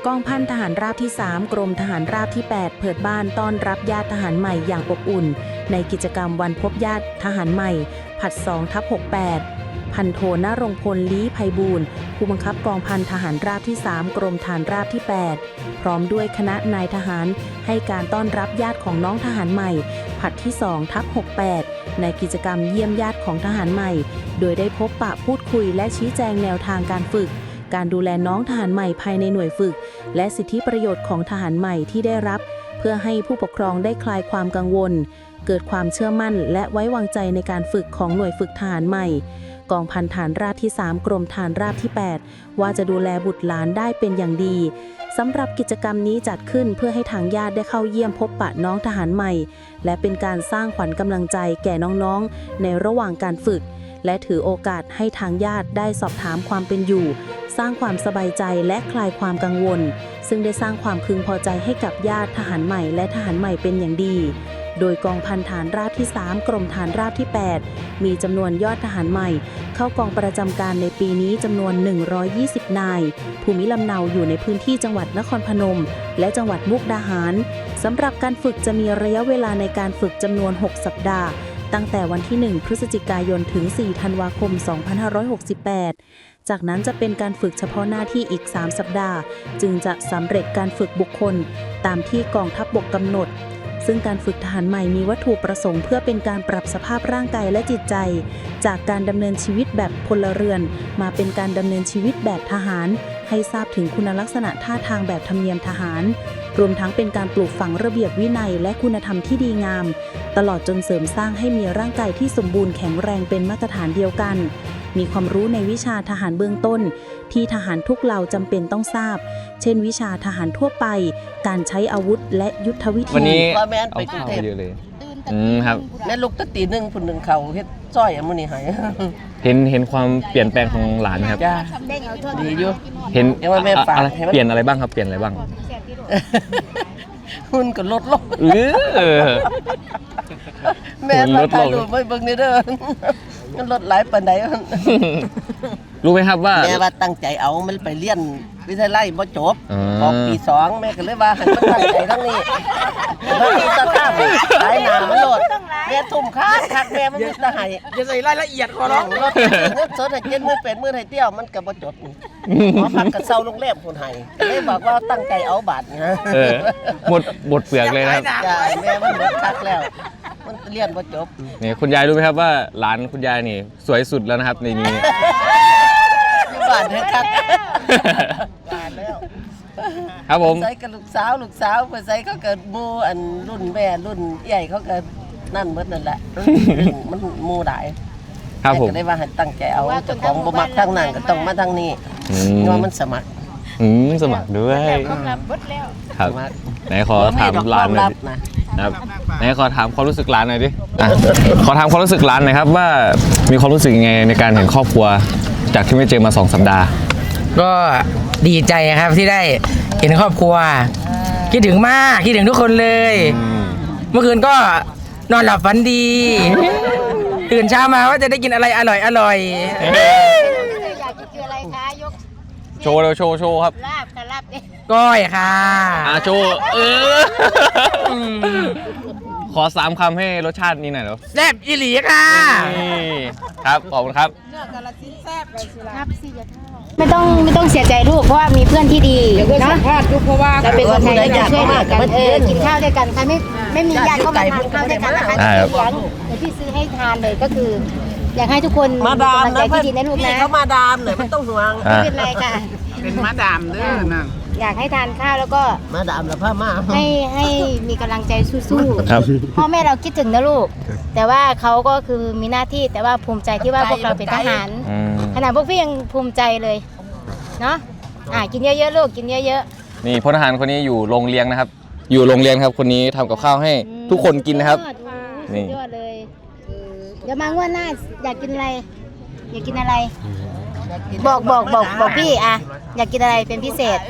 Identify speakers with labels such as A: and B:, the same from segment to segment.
A: องพันทหารราบที่ 3 กรมทหารราบที่ 8 เปิดบ้านต้อนรับญาติทหารใหม่อย่างอบอุ่นในกิจกรรมวันพบญาติทหารใหม่ผลัด 2/68 พันโทณรงค์พล ลี้ไพบูลย์ผู้บังคับกองพันทหารราบที่ 3 กรมฐานราบที่ 8 พร้อมด้วยคณะนายทหารให้การต้อนรับญาติของน้องทหารใหม่ผลัดที่ 2/68 ในกิจกรรมเยี่ยมญาติของทหารใหม่โดยได้พบปะพูดคุยและชี้แจงแนวทางการฝึกการดูแลน้องทหารใหม่ภายในหน่วยฝึกและสิทธิประโยชน์ของทหารใหม่ที่ได้รับเพื่อให้ผู้ปกครองได้คลายความกังวลเกิดความเชื่อมั่นและไว้วางใจในการฝึกของหน่วยฝึกทหารใหม่กองพันฐานราบที่ 3 กรมฐานราบที่ 8 ว่าจะดูแลบุตรหลานได้เป็นอย่างดีสำหรับกิจกรรมนี้จัดขึ้นเพื่อให้ทางญาติได้เข้าเยี่ยมพบปะน้องทหารใหม่และเป็นการสร้างขวัญกำลังใจแก่น้องๆในระหว่างการฝึกและถือโอกาสให้ทางญาติได้สอบถามความเป็นอยู่สร้างความสบายใจและคลายความกังวลซึ่งได้สร้างความพึงพอใจให้กับญาติทหารใหม่และทหารใหม่เป็นอย่างดีโดยกองพันฐานราบที่ 3 กรมฐานราบที่ 8 มีจำนวนยอดทหารใหม่เข้ากองประจำการในปีนี้จำนวน120นายภูมิลำเนาอยู่ในพื้นที่จังหวัดนครพนมและจังหวัดมุกดาหารสำหรับการฝึกจะมีระยะเวลาในการฝึกจำนวน6สัปดาห์ตั้งแต่วันที่ 1 พฤศจิกายน ถึง 4 ธันวาคม 2568 จากนั้นจะเป็นการฝึกเฉพาะหน้าที่อีก 3 สัปดาห์จึงจะสำเร็จการฝึกบุคคลตามที่กองทัพบกกำหนดซึ่งการฝึกทหารใหม่มีวัตถุประสงค์เพื่อเป็นการปรับสภาพร่างกายและจิตใจจากการดำเนินชีวิตแบบพลเรือนมาเป็นการดำเนินชีวิตแบบทหารให้ทราบถึงคุณลักษณะท่าทางแบบธรรมเนียมทหารรวมทั้งเป็นการปลูกฝังระเบียบวินัยและคุณธรรมที่ดีงามตลอดจนเสริมสร้างให้มีร่างกายที่สมบูรณ์แข็งแรงเป็นมาตรฐานเดียวกันมีความรู้ในวิชาทหารเบื้องต้นที่ทหารทุกเหล่าจำเป็นต้องทราบเช่นวิชาทหารทั่วไปการใช้อาวุธและยุทธวิธี
B: วันนี้
C: ว่าแม่นไปกรุงเทพ
B: เลยครับ
C: แม่ลูกตะตีหนึ่งผู้หนึ่งเขาเฮ็ดจ้อยมื้อนี้ให้
B: เห็นความเปลี่ยนแปลงของหลานครับ
C: จ้าดีอยู่
B: เห็น
C: ว่าแม่ฝาก
B: เปลี่ยนอะไรบ้างครับเปลี่ยนอะไรบ้าง
C: หุ่นก็ลดลงแม่มาถ่ายรูปไว้เบิ่งนี่เด้อมันลดหลายปานใด
B: รู้ไหมครับว่า
C: แม่ว่าตั้งใจเอามันไปเรียนวิทยาลัยบ่จบออกปี 2แม่ก็เลยว่าให้มันตั้งใจทั้งนี้มันมีตาข้ามหลายหน้ามันโลดแม่ทุ่มคักแม่มันมีตาให้
D: จะใส่รายละเอียดขอร้อง
C: รถเงินสดให้70,000 80,000ให้เตี้ยวมันก็บ่จบนี่หมอพักก็เซาโรงแรมคนให้เลยบอกว่าตั้งใจเอาบาทนะ
B: หมดเปลือกเลยนะครับ
C: จ้าแม่มันหมดคักแล้วมันเรียนบ่จบ
B: นี่คุณยายรู้ไหมครับว่าหลานคุณยายนี่สวยสุดแล้วนะครับในนี้
C: บ้านให้คักบ้านแล้ว
B: ครับผม
C: ใส่กับลูกสาวไปใส่เขาเกิดหมู่อันรุ่นแม่รุ่นใหญ่เขาเกิดนั่นหมดนั่นแหละมันหมู่หลาย
B: ครับผม
C: ก็ได้ว่าให้ตั้งใจเอาเจ้าของบ่มักทางนั้นก็ต้องมาทางนี้เพราะมันสมัคร
B: สมัครด้วยครับไหนขอถามหลานหน่อยครับไหนขอถามความรู้สึกหลานหน่อยดิขอถามความรู้สึกหลานหน่อยครับว่ามีความรู้สึกยังไงในการเห็นครอบครัวจากที่ไม่เจอมา2 สัปดาห์
D: ก็ดีใจครับที่ได้เห็นครอบครัวคิดถึงมากคิดถึงทุกคนเลยเมื่อคืนก็นอนหลับฝันดีตื่นเช้ามาว่าจะได้กินอะไรอร่อย
E: อยากกินอะไรคะยก
B: โชว์เลยโชว์ครับ
E: ลาบค่ะลาบเนี่ย
D: ก้อยค่ะ
B: โชว์ขอ3 คำให้รสชาตินี้หน่อยเนาะ
D: แซ่บอีหลีค่ะ
B: ครับขอบคุณครับ
E: เนื้อกาลสินแซ่บเลยสิล่ะครับสิอย่าไม่ต้องเสียใจลูกเพราะว่ามีเพื่อนที่ดีเนาะเพราะว่าเราเป็นคนไทยเราช่วยเหลือกันกินข้าวด้วยกันใครไม่มีญาติก็มาทานข้าวด้วยกันนะคะเดี๋ยวพี่ซื้อให้ทานเลยก็คืออยากให้ทุกคน
C: มาดาม
E: นะที่ดีนะลูกนะ
C: เขามาดามเลยไม่ต้องห่วง
E: ไม่เป็นไรค่ะ
D: เป็นมาดามเด้อนะ
E: อยากให้ทานข้าวแล้วก็
C: มาดามแล้วพ่อมา
E: ให้มีกำลังใจสู้ๆพ่อแม่เราคิดถึงนะลูกแต่ว่าเขาก็คือมีหน้าที่แต่ว่าภูมิใจที่ว่าพวกเราเป็นทหารขนาดพวกพี่ยังภูมิใจเลยเนาะกินเยอะๆลูกกินเยอะ
B: ๆนี่พลทหารคนนี้อยู่โรงเรียนนะครับอยู่โรงเรียนครับคนนี้ทำกับข้าวให้ทุกคนกินนะครับ
E: นี่ยอดเลยเดี๋ยวมางวดหน้าอยากกินอะไรบอกพี่อยากกินอะไรเป็นพิเศษ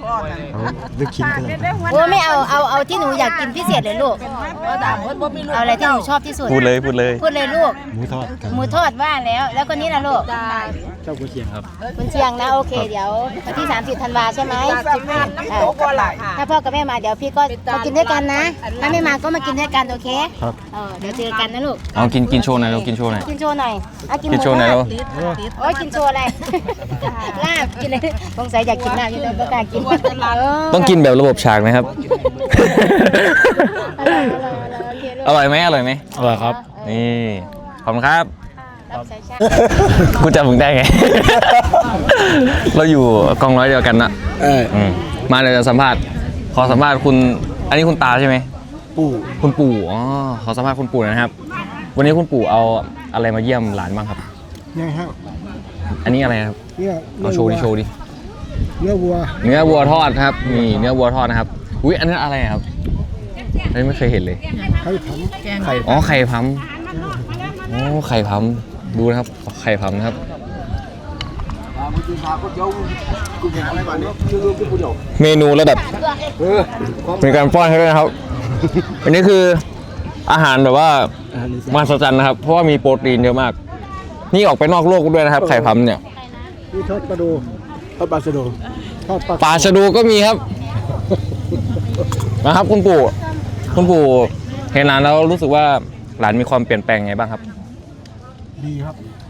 E: โอ้ไม่เอาที่หนูอยากกินพิเศษเลยลูกเอาอะไรที่หนูชอบที่สุด
B: พูดเลย
E: ลูกหมูทอดว่าแล้วคนนี้ล่ะลูก
F: เจ้ากุเชียงครับ
E: คุณเชียงนะโอเคเดี๋ยววันที่30 ธันวาใช่ไหมถ้าพ่อกับแม่มาเดี๋ยวพี่ก็มากินด้วยกันนะถ้าไม่มาก็มากินด้วยกันโอเค
F: ครับ
E: เดี๋ยวเจอกันนะลูก
B: เอากินโชว์หน่อยเรากินโชว์หน่อย
E: กินโชว์หน่อยกิน
B: กินโชว์หน่อยเรา
E: โอ้ยกินโชว์อะไรลาบกินเลยสงสัยอยากกินลาบอยู่เลยก็กล้ากิน
B: ต้องกินแบบระบบฉากนะครับ อร่อยไหม
F: อร่อยครับ
B: นี่ขอบคุณครับ
E: รับใช้ชาติ
B: กูจำมึงได้ไง เราอยู่กองร้อยเดียวกันนะมาเดี๋ยวจะสัมภาษณ์ ขอสัมภาษณ์คุณ อันนี้คุณตาใช่ไหม
F: ปู่
B: คุณปู่ อ๋อ ขอสัมภาษณ์คุณปู่หนะครับ วันนี้คุณปู่เอาอะไรมาเยี่ยมหลานบ้างครับ
F: เนี่ยครับ
B: อันนี้อะไรครับ
F: เนี่ย
B: เอาโชว์ดิ
F: เนื้อวัว
B: เนื้อวัวทอดครับนี่เนื้อวัวทอดนะครับ อุ้ยอันนั้นอะไรครับอันนี้ไม่เคยเห็นเลย
F: ไข่ผังไข่
B: อ๋อไข่พัมโอ้ไข่พัมดูนะครับไข่พัมนะครับเมนูระดับมีการป้อนให้ด้วยนะครับ อันนี้คืออาหารแบบว่ามหัศจรรย์นะครับ เพราะว่ามีโปรตีนเยอะมาก นี่ออกไปนอกโลกด้วยนะครับ ไข่พัมเนี่ย
F: นี่ทอดปลาดูทอดปลาสะดูทอดปลา
B: ปลาชะดูก็มีครับ นะครับคุณปู่เห็นหลานแล้วรู้สึกว่าหลานมีความเปลี่ยนแปลงไงบ้างครับ
F: ดีครับ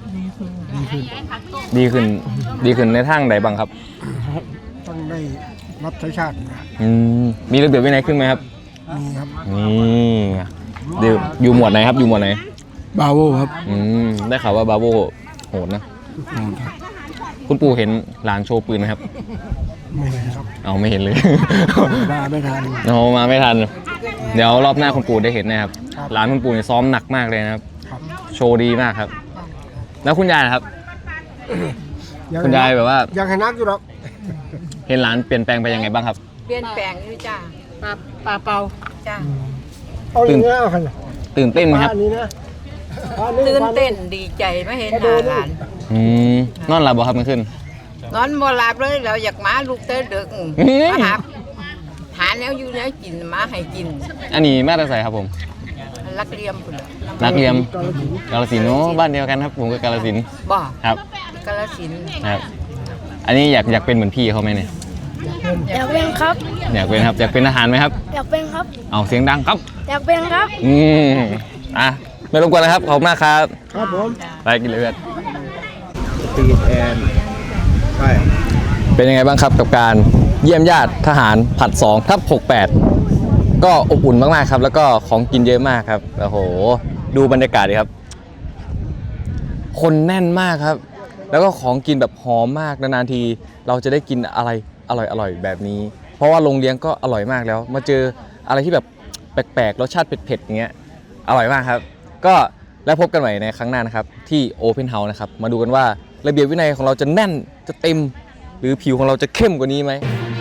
B: ดีขึ้นในทางใดบ้างครับ
F: ต้องได้รับใช้ชาตินะ
B: มีระเบียบวินัยขึ้นไหมครับ
F: มีครับ
B: นี่เดี๋ยวอยู่หมวดไหนครับอยู่หมวดไหน
F: บาโวครับ
B: ได้ข่าวว่าบาโบโหดนะ คุณปู่เห็นหลานโชว์ปืนไหมครับ
F: ไม่เห็นครับ
B: เอาไม่เห็นเลย
F: มาไม่ทัน
B: เอามาไม่ทัน เดี๋ยวรอบหน้าคุณปู่ได้เห็นนะครับ
F: ครับ
B: หลานคุณปู่เนี่ยซ้อมหนักมากเลยนะครับ
F: ครับ
B: โชว์ดีมากครับ แล้วคุณยายนะครับ คุณยายแบบว่า
F: ยังให้นักอยู่หรอก
B: เห็นหลานเปลี่ยนแปลงไปยังไงบ้างครับ
G: เปลี่ยนแปลงอยู่จ้าปลาเปาจ้า
F: เอาอย่างนี้เอาขนาด
B: ตื่นเต้นไหมครับ
F: อันนี้นะอันนี้
G: ตื่นเต้นดีใจไม่เห็นหน้าหลาน
B: นอนหลับบ่ครับมันขึ้น
G: นอนบ่หลับเลยเราอยากมาลูกเต้ดึก
B: อืม
G: มาหาแนวอยู่แนวกินมาให้กิน
B: อันนี้แม่ตาใสครับผม
G: รักเลียมพุ่นล่ะ
B: นักเรียมกาลสินธุ์โอ้บ้านเดียวกันครับผมก็กาลสินธุ์
G: บ่
B: ครับ
G: กาฬสินธุ์
B: ครับ อันนี้อยากเป็นเหมือนพี่เขาไหมเนี่ย
E: อยากเป็นครับ
B: อยากเป็นครับอยากเป็นทหารไหมครับ
E: อยากเป็นครับ
B: เอาเสียงดังครับ
E: อยากเป็นครับ
B: อ่ะไม่รบกวนนะครับขอบคุณมากครับ
F: ครับผม
B: ไปกินเลยเพื่อน
F: ตีแอนใช่
B: เป็นยังไงบ้างครับกับการเยี่ยมญาติทหารผัด2/68ก็อบอุ่นมากๆครับ แล้วก็ของกินเยอะมากครับโอ้โหดูบรรยากาศดิครับ คนแน่นมากครับ แล้วก็ของกินแบบหอมมากนานๆทีเราจะได้กินอะไรอร่อยๆแบบนี้ เพราะว่าโรงเลี้ยงก็อร่อยมากแล้ว มาเจออะไรที่แบบแปลกๆรสชาติเผ็ดๆอย่างเงี้ยอร่อยมากครับ ก็แล้วพบกันใหม่ในครั้งหน้านะครับที่ Open House นะครับมาดูกันว่าระเบียบวินัยของเราจะแน่นจะเต็ม หรือผิวของเราจะเข้มกว่านี้ไหม